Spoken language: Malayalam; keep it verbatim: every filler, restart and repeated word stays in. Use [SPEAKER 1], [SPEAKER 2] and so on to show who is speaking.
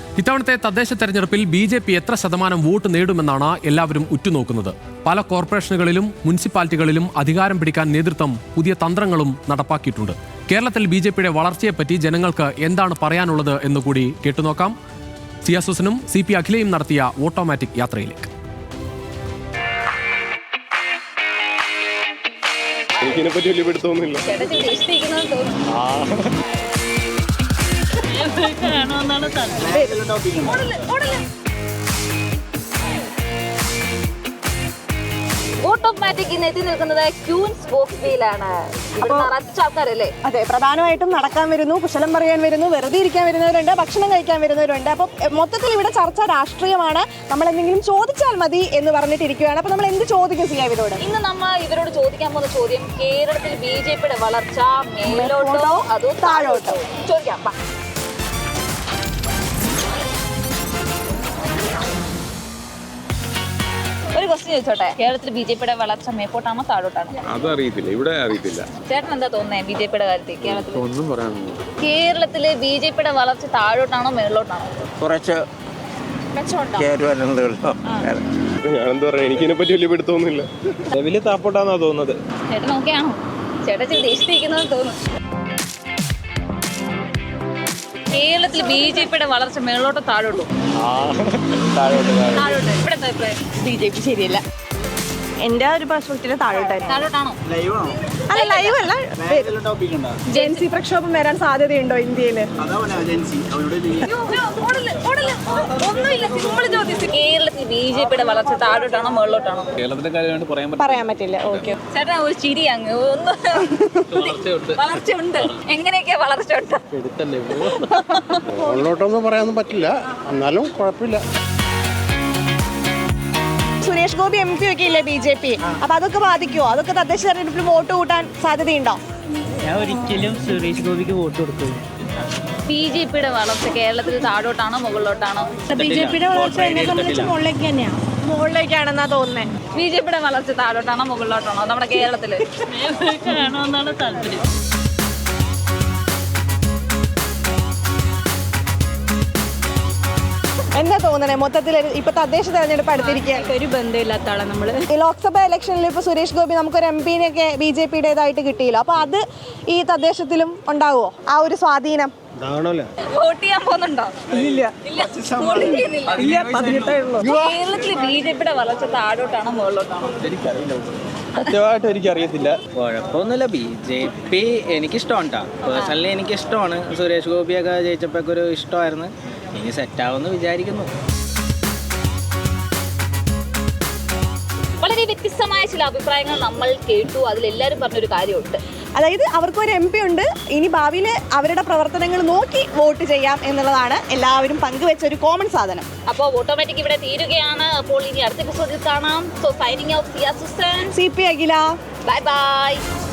[SPEAKER 1] ഇത്തവണത്തെ തദ്ദേശ തെരഞ്ഞെടുപ്പിൽ ബി ജെ പി എത്ര ശതമാനം വോട്ട് നേടുമെന്നാണ് എല്ലാവരും ഉറ്റുനോക്കുന്നത്. പല കോർപ്പറേഷനുകളിലും മുനിസിപ്പാലിറ്റികളിലും അധികാരം പിടിക്കാൻ നേതൃത്വം പുതിയ തന്ത്രങ്ങളും നടപ്പാക്കിയിട്ടുണ്ട്. കേരളത്തിൽ ബി ജെ പിയുടെ വളർച്ചയെപ്പറ്റി ജനങ്ങൾക്ക് എന്താണ് പറയാനുള്ളത് എന്നുകൂടി കേട്ടുനോക്കാം. സിയാസുസനും സി പി അഖിലയും നടത്തിയ ഓട്ടോമാറ്റിക് യാത്രയിലേക്ക്.
[SPEAKER 2] എനിക്കിനെപ്പറ്റി വലിയ പിടുത്തമൊന്നുമില്ല.
[SPEAKER 3] ഓട്ടോമാറ്റിക് ഇന്ന് എത്തി നിൽക്കുന്നത് ക്യൂൻസ് വോക്സ്വേയിലാണ്. ആൾക്കാരല്ലേ?
[SPEAKER 4] അതെ, പ്രധാനമായിട്ടും നടക്കാൻ വരുന്നു, കുശലം പറയാൻ വരുന്നു, വെറുതെ ഇരിക്കാൻ വരുന്നവരുണ്ട്, ഭക്ഷണം കഴിക്കാൻ വരുന്നവരുണ്ട്. അപ്പം മൊത്തത്തിൽ ഇവിടെ ചർച്ച രാഷ്ട്രീയമാണ്. നമ്മൾ എന്തെങ്കിലും ചോദിച്ചാൽ മതി എന്ന് പറഞ്ഞിട്ടിരിക്കുകയാണ്. അപ്പൊ നമ്മൾ എന്ത് ചോദിക്കും സിയ ഇവരോട്?
[SPEAKER 3] ഇന്ന് നമ്മൾ ഇവരോട് ചോദിക്കാൻ പോകുന്ന ചോദ്യം, കേരളത്തിൽ ബി ജെ പിയുടെ വളർച്ച മേലോട്ടോ അതോ താഴോട്ടോ? ചോദിക്കാം. ഒരു ക്വസ്റ്റ്യൻ ചോദിച്ചോട്ടെ, കേരളത്തിൽ ബി ജെ പിയുടെ വളർച്ച മേപ്പോട്ടാണോ താഴോട്ടാണോ?
[SPEAKER 2] അതറിയത്തില്ല, ഇവിടെ അറിയത്തില്ല.
[SPEAKER 3] ചേട്ടൻ എന്താ തോന്നുന്നത് ബി ജെ പിയുടെ കാര്യത്തിൽ? കേരളത്തിൽ
[SPEAKER 2] ഒന്നും പറയാനില്ല.
[SPEAKER 3] കേരളത്തില് ബി ജെ പിയുടെ വളർച്ച താഴോട്ടാണോ മേളിലോട്ടാണോ?
[SPEAKER 5] കുറച്ച്
[SPEAKER 2] ഞാനെന്താ പറയാ, എനിക്കിനെപ്പറ്റി വലിയ പിടുത്തമൊന്നുമില്ല. വലിയ താപ്പോട്ടാന്നാ തോന്നുന്നത്.
[SPEAKER 3] ചേട്ടൻ ഓക്കെയാണോ? ചേട്ടൻ ഇച്ചിരി ദേഷ്യത്തിരിക്കുന്നത് തോന്നുന്നു. കേരളത്തിൽ ബി ജെ പിയുടെ വളർച്ച മേളോട്ടോ താഴോട്ടോ? താഴോട്ട്. ഇവിടെ എന്താ അഭിപ്രായം?
[SPEAKER 4] ബി ജെ പി ശരിയല്ല. എന്റെ ഒരു പെർസ്പെക്റ്റീവ് താഴോട്ടായിരുന്നു.
[SPEAKER 3] താഴോട്ടാണോ?
[SPEAKER 4] അല്ല, ലൈവ് അല്ല. ജെൻസി പ്രക്ഷോഭം വരാൻ സാധ്യതയുണ്ടോ ഇന്ത്യയില്?
[SPEAKER 3] കേരളത്തിൽ ബി ജെ പിയുടെ വളർച്ച താഴോട്ടാണോ മേളിലോട്ടാണോ?
[SPEAKER 2] കേരളത്തിന്റെ കാര്യം
[SPEAKER 4] പറയാൻ പറ്റില്ല. ഓക്കെ
[SPEAKER 3] ചേട്ടാ ഒരു ചിരി അങ്ങ് ഒന്ന്. വളർച്ച ഉണ്ട്. എങ്ങനെയൊക്കെയാ വളർച്ച ഉണ്ട്?
[SPEAKER 6] മുകളിലോട്ടൊന്നും പറയാനൊന്നും പറ്റില്ല, എന്നാലും കുഴപ്പമില്ല.
[SPEAKER 4] സുരേഷ് ഗോപി എം പി ഒക്കെ ഇല്ലേ ബി ജെ പി? അപ്പൊ അതൊക്കെ ബാധിക്കുമോ? അതൊക്കെ തദ്ദേശ തെരഞ്ഞെടുപ്പിൽ വോട്ട് കൂട്ടാൻ സാധ്യതയുണ്ടോ?
[SPEAKER 7] ഞാൻ ഒരിക്കലും സുരേഷ് ഗോപിക്ക് വോട്ട് കൊടുക്കും.
[SPEAKER 3] ബി ജെ പിയുടെ വളർച്ച കേരളത്തിൽ താഴോട്ടാണോ മുകളിലോട്ടാണോ?
[SPEAKER 4] ബി ജെ പിയുടെ വളർച്ച എന്നെ സംബന്ധിച്ച് മുകളിലേക്ക് തന്നെയാണ്. മുകളിലേക്കാണെന്നാ തോന്നുന്നത്.
[SPEAKER 3] ബി ജെ പിയുടെ വളർച്ച താഴോട്ടാണോ മുകളിലോട്ടാണോ നമ്മുടെ കേരളത്തില്?
[SPEAKER 7] കാണുമെന്നാണ് താല്പര്യം.
[SPEAKER 4] എന്താ തോന്നണേ മൊത്തത്തിൽ? ഇപ്പൊ തദ്ദേശ തെരഞ്ഞെടുപ്പ് അടുത്തിരിക്കുകയാണ്.
[SPEAKER 7] ഒരു ബന്ധമില്ലാത്ത ആളാണ് നമ്മള്.
[SPEAKER 4] ഈ ലോക്സഭാ ഇലക്ഷനിൽ ഇപ്പൊ സുരേഷ് ഗോപി നമുക്കൊരു എം പിനെയൊക്കെ ബി ജെ പിയുടേതായിട്ട് കിട്ടിയില്ല. അപ്പൊ അത് ഈ തദ്ദേശത്തിലും ഉണ്ടാവുമോ ആ ഒരു സ്വാധീനം?
[SPEAKER 3] വോട്ട് ചെയ്യാൻ പോകുന്നുണ്ടോ? കേരളത്തില് ബി ജെ പിയുടെ വളർച്ച താഴോട്ടാണോ മുകളിലോട്ടാണോ?
[SPEAKER 5] സത്യമായിട്ട് എനിക്കറിയത്തില്ല.
[SPEAKER 7] കുഴപ്പമൊന്നുമില്ല. ബി ജെ പി എനിക്കിഷ്ടമാണ് കേട്ടോ. പേഴ്സണലി എനിക്കിഷ്ടമാണ്. സുരേഷ് ഗോപിയൊക്കെ ജയിച്ചപ്പോഴൊക്കെ ഒരു ഇഷ്ടമായിരുന്നു. ഇനി സെറ്റാവുമെന്ന് വിചാരിക്കുന്നു.
[SPEAKER 3] വളരെ വ്യത്യസ്തമായ ചില അഭിപ്രായങ്ങൾ നമ്മൾ കേട്ടു. അതിലെല്ലാവരും പറഞ്ഞൊരു കാര്യമുണ്ട്,
[SPEAKER 4] അതായത് അവർക്കൊരു എം പി ഉണ്ട്, ഇനി ഭാവിയിൽ അവരുടെ പ്രവർത്തനങ്ങൾ നോക്കി വോട്ട് ചെയ്യാം എന്നുള്ളതാണ് എല്ലാവരും പങ്കുവെച്ച ഒരു കോമൺ സാധനം.
[SPEAKER 3] അപ്പോൾ ഓട്ടോമാറ്റിക് ഇവിടെ തീരുകയാണ്. അപ്പോൾ ഇനി അടുത്ത എപ്പിസോഡിൽ കാണാം. So signing out, Siya Susan,
[SPEAKER 4] C P Akhila.
[SPEAKER 3] Bye by.